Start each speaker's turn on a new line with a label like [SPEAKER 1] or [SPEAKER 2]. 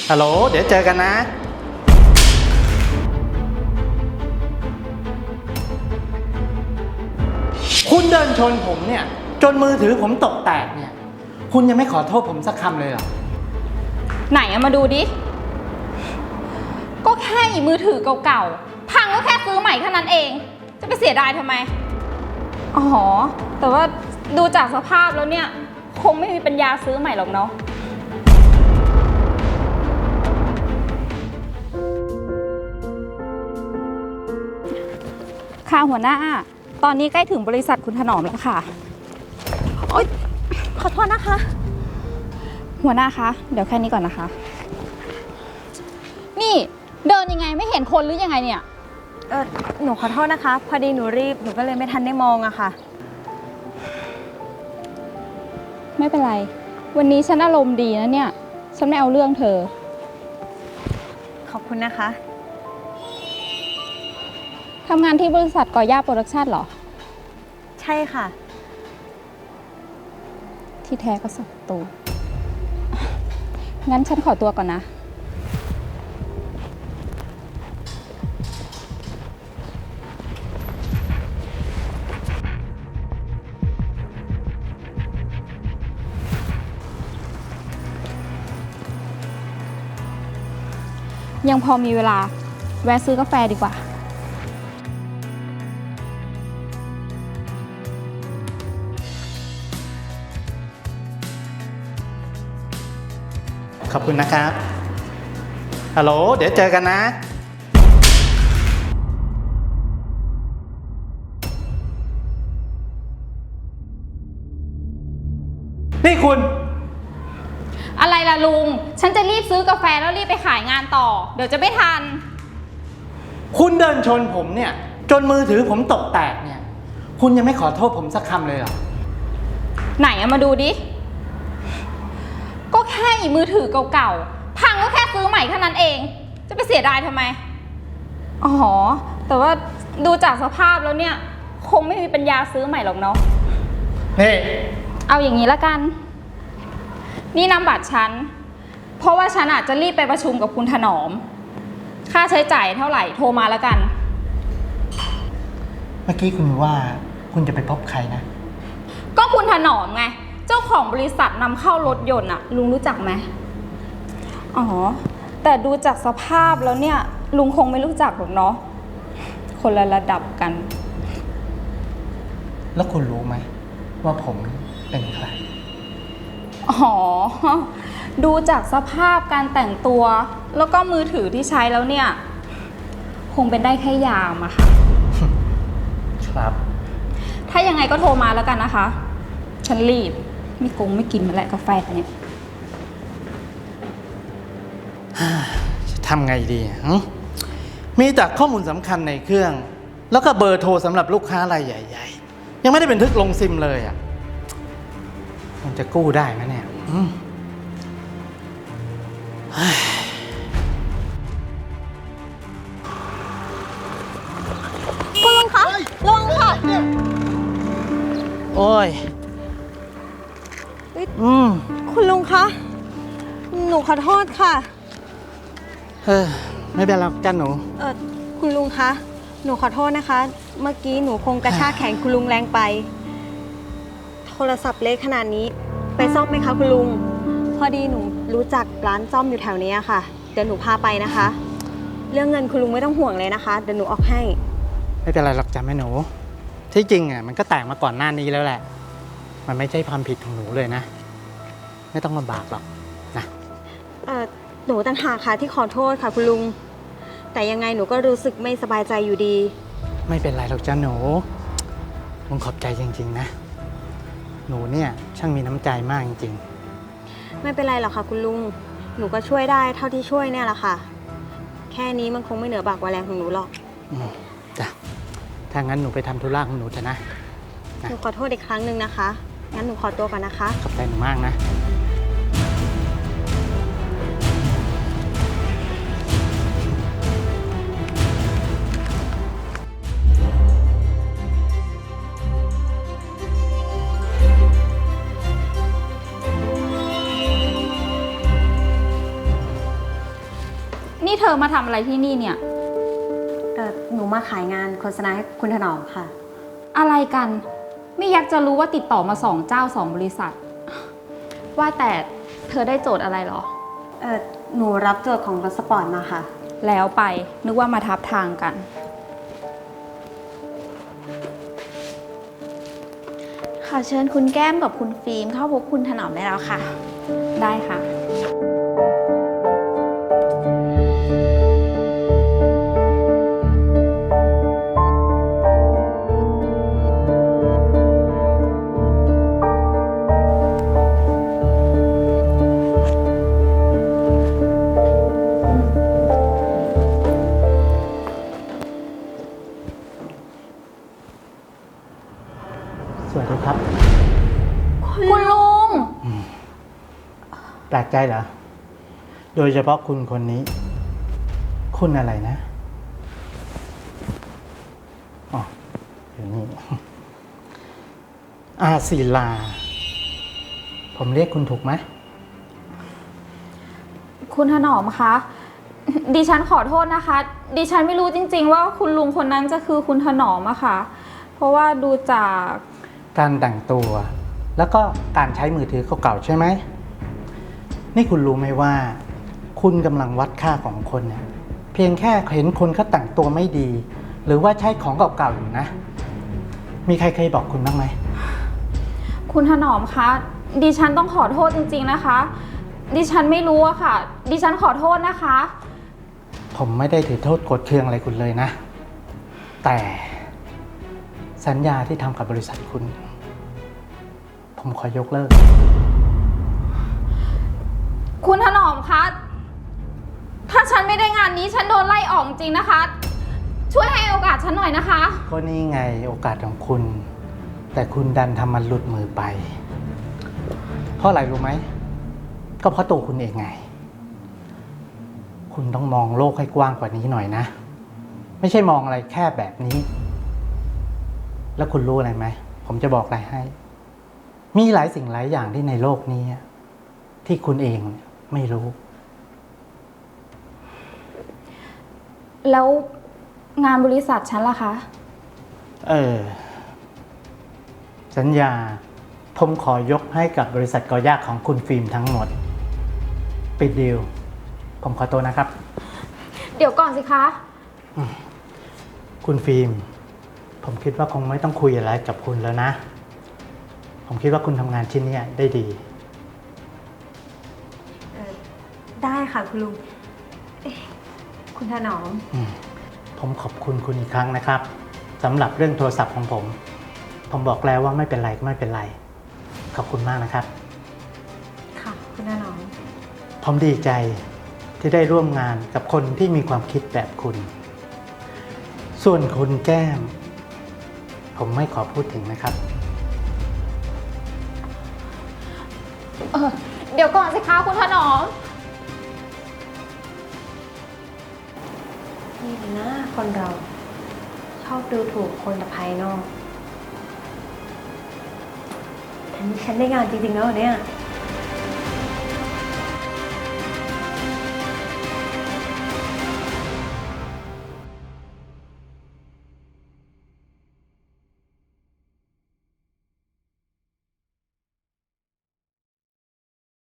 [SPEAKER 1] ฮัลโหลเดี๋ยวเจอกันนะคุณเดินชนผมเนี่ยจนมือถือผมตกแตกเนี่ยคุณยังไม่ขอโทษผมสักคำเลยเหรอ
[SPEAKER 2] ไหนเอามาดูดิก็แค่มือถือเก่าๆพังก็แค่ซื้อใหม่แค่นั้นเองจะไปเสียดายทำไมอ๋อแต่ว่าดูจากสภาพแล้วเนี่ยคงไม่มีปัญญาซื้อใหม่หรอกเนาะค่ะหัวหน้าตอนนี้ใกล้ถึงบริษัทคุณถนอมแล้วค่ะโอ๊ยขอโทษนะคะหัวหน้าคะเดี๋ยวแค่นี้ก่อนนะคะนี่เดินยังไงไม่เห็นคนหรือยังไงเนี่ย
[SPEAKER 3] หนูขอโทษนะคะพอดีหนูรีบหนูก็เลยไม่ทันได้มองอะค่ะ
[SPEAKER 2] ไม่เป็นไรวันนี้ฉันอารมณ์ดีนะเนี่ยฉันไม่เอาเรื่องเธอ
[SPEAKER 3] ขอบคุณนะคะ
[SPEAKER 2] ทำงานที่บริษัทก่อย่าโปรดักชั่นเหรอ
[SPEAKER 3] ใช่ค่ะ
[SPEAKER 2] ที่แท้ก็สับตัวงั้นฉันขอตัวก่อนนะยังพอมีเวลาแวะซื้อกาแฟดีกว่า
[SPEAKER 1] ขอบคุณนะครับฮัลโหลเดี๋ยวเจอกันนะนี่คุณ
[SPEAKER 2] อะไรล่ะลุงฉันจะรีบซื้อกาแฟแล้วรีบไปขายงานต่อเดี๋ยวจะไม่ทัน
[SPEAKER 1] คุณเดินชนผมเนี่ยจนมือถือผมตกแตกเนี่ยคุณยังไม่ขอโทษผมสักคำเลยเหรอ
[SPEAKER 2] ไหนเอามาดูดิก็แค่มือถือเก่าๆพังก็แค่ซื้อใหม่แค่นั้นเองจะไปเสียดายทำไมอ๋อแต่ว่าดูจากสภาพแล้วเนี่ยคงไม่มีปัญญาซื้อใหม่หรอกเนาะ
[SPEAKER 1] นี่
[SPEAKER 2] เอาอย่างนี้ละกันนี่นำบัตรฉันเพราะว่าฉันอาจจะรีบไปประชุมกับคุณถนอมค่าใช้จ่ายเท่าไหร่โทรมาแล้วกัน
[SPEAKER 1] เมื่อกี้คุณว่าคุณจะไปพบใครนะ
[SPEAKER 2] ก็คุณถนอมไงเจ้าของบริษัทนำเข้ารถยนต์อะลุงรู้จักไหมอ๋อแต่ดูจากสภาพแล้วเนี่ยลุงคงไม่รู้จักหรอกเนาะคนละระดับกัน
[SPEAKER 1] แล้วคุณรู้ไหมว่าผมเป็นใคร
[SPEAKER 2] อ๋อดูจากสภาพการแต่งตัวแล้วก็มือถือที่ใช้แล้วเนี่ยคงเป็นได้แค่ยามอะค่ะ
[SPEAKER 1] ครับ
[SPEAKER 2] ถ้ายังไงก็โทรมาแล้วกันนะคะฉันรีบไม่กินมาแล้วกาแฟเนี่ย
[SPEAKER 1] จะทำไงดีมีแต่ข้อมูลสำคัญในเครื่องแล้วก็เบอร์โทรสำหรับลูกค้ารายใหญ่ๆยังไม่ได้บันทึกลงซิมเลยอ่ะมันจะกู้ได้ไหมเนี่ย
[SPEAKER 3] คุณลุงคะระวังค่ะ
[SPEAKER 1] โอ้ย
[SPEAKER 3] คุณลุงคะหนูขอโทษค่ะ
[SPEAKER 1] ไม่เป็นไรจ้าหนู
[SPEAKER 3] คุณลุงคะหนูขอโทษนะคะเมื่อกี้หนูคงกระชากแขนคุณลุงแรงไปโทรศัพท์เล็กขนาดนี้ไปซ่อมไหมคะคุณลุงพอดีหนูรู้จักร้านซ่อมอยู่แถวนี้ค่ะเดี๋ยวหนูพาไปนะคะเรื่องเงินคุณลุงไม่ต้องห่วงเลยนะคะเดี๋ยวหนูออกให้
[SPEAKER 1] ไม่เป็นไรหรอกจ้าแม่หนูที่จริงอ่ะมันก็แตกมาก่อนหน้านี้แล้วแหละมันไม่ใช่ความผิดของหนูเลยนะไม่ต้องลำบากหรอกนะ
[SPEAKER 3] หนูต่างหากค่ะที่ขอโทษค่ะคุณลุงแต่ยังไงหนูก็รู้สึกไม่สบายใจอยู่ดี
[SPEAKER 1] ไม่เป็นไรหรอกจ้าหนูลุงขอบใจจริงๆนะหนูเนี่ยช่างมีน้ำใจมากจริง
[SPEAKER 3] ๆไม่เป็นไรหรอกค่ะคุณลุงหนูก็ช่วยได้เท่าที่ช่วยเนี่ยแหละค่ะแค่นี้มันคงไม่เหนือบากกว่าแรงของหนูหรอก
[SPEAKER 1] จ้ะถ้างั้นหนูไปทำธุระของหนูเถอะนะ
[SPEAKER 3] หนูขอโทษอีกครั้งหนึ่งนะคะงั้นหนูขอตัวก่อนนะคะ
[SPEAKER 1] ขอบใจหนูมากนะ
[SPEAKER 2] เธอมาทำอะไรที่นี่เนี่ย
[SPEAKER 3] หนูมาขายงานโฆษณาให้คุณถนอมค่ะ
[SPEAKER 2] อะไรกัน ไม่อยากจะรู้ว่าติดต่อมา2 เจ้า 2 บริษัท ว่าแต่เธอได้โจทย์อะไรเหรอ
[SPEAKER 3] หนูรับโจทย์ของรถสปอร์ตมาค่ะ
[SPEAKER 2] แล้วไปนึกว่ามาทับทางกัน
[SPEAKER 4] ขอเชิญคุณแก้มกับคุณฟิล์มเข้าพบคุณถนอมได้แล้วค่ะ
[SPEAKER 2] ได้ค่ะ
[SPEAKER 1] สวัสดีครับ
[SPEAKER 2] คุณลุง
[SPEAKER 1] แปลกใจเหรอ โดยเฉพาะคุณคนนี้ คุณอะไรนะ อ๋อเดี๋ยวนี้ อาศิลา ผมเรียกคุณถูกไหม
[SPEAKER 2] คุณถนอมคะ ดิฉันขอโทษนะคะ ดิฉันไม่รู้จริงๆว่าคุณลุงคนนั้นจะคือคุณถนอมอะค่ะ เพราะว่าดูจาก
[SPEAKER 1] การแต่งตัว แล้วก็การใช้มือถือเก่าๆใช่ไหม นี่คุณรู้ไหมว่า คุณกำลังวัดค่าของคนเนี่ย เพียงแค่เห็นคนเขาแต่งตัวไม่ดี หรือว่าใช้ของเก่าๆอยู่นะ มีใครเคยบอกคุณบ้างไหม
[SPEAKER 2] คุณถนอมคะ ดิฉันต้องขอโทษจริงๆนะคะ ดิฉันไม่รู้อะค่ะ ดิฉันขอโทษนะคะ
[SPEAKER 1] ผมไม่ได้ถือโทษโกรธเคืองอะไรคุณเลยนะ แต่สัญญาที่ทำกับบริษัทคุณ ผมขอยกเลิก
[SPEAKER 2] คุณถนอมคะ ถ้าฉันไม่ได้งานนี้ฉันโดนไล่ออกจริงนะคะ ช่วยให้โอกาสฉันหน่อยนะคะ
[SPEAKER 1] ก็นี่ไงโอกาสของคุณ แต่คุณดันทำมันหลุดมือไป เพราะอะไรรู้ไหม ก็เพราะตัวคุณเองไง คุณต้องมองโลกให้กว้างกว่านี้หน่อยนะ ไม่ใช่มองอะไรแค่แบบนี้ แล้วคุณรู้อะไรไหม ผมจะบอกอะไรให้ มีหลายสิ่งหลายอย่างที่ในโลกนี้ ที่คุณเองไม่รู้
[SPEAKER 2] แล้วงานบริษัทฉันล่ะคะ
[SPEAKER 1] สัญญา ผมขอยกให้กับบริษัทกอยากของคุณฟิล์มทั้งหมด ปิดดีล ผมขอตัวนะครับ
[SPEAKER 2] เดี๋ยวก่อนสิคะ
[SPEAKER 1] คุณฟิล์ม ผมคิดว่าคงไม่ต้องคุยอะไรกับคุณแล้วนะ ผมคิดว่าคุณทำงานชิ้นนี้ได้ดี
[SPEAKER 3] ได้ค่ะคุณลุงคุณถนอม
[SPEAKER 1] ผมขอบคุณคุณอีกครั้งนะครับสำหรับเรื่องโทรศัพท์ของผม ผมบอกแล้วว่าไม่เป็นไรก็ไม่เป็นไร ขอบคุณมากนะครับ
[SPEAKER 3] ค่ะ คุณถนอม
[SPEAKER 1] ผมดีใจที่ได้ร่วมงานกับคนที่มีความคิดแบบคุณ ส่วนคุณแก้ม ผมไม่ขอพูดถึงนะครับ
[SPEAKER 2] เดี๋ยวก่อนสิคะคุณถนอม
[SPEAKER 3] นี่นะคนเรา ชอบดูถูกคนแต่ภายนอกแต่นี่ฉันได้งานจริงๆแล้วเนี่ย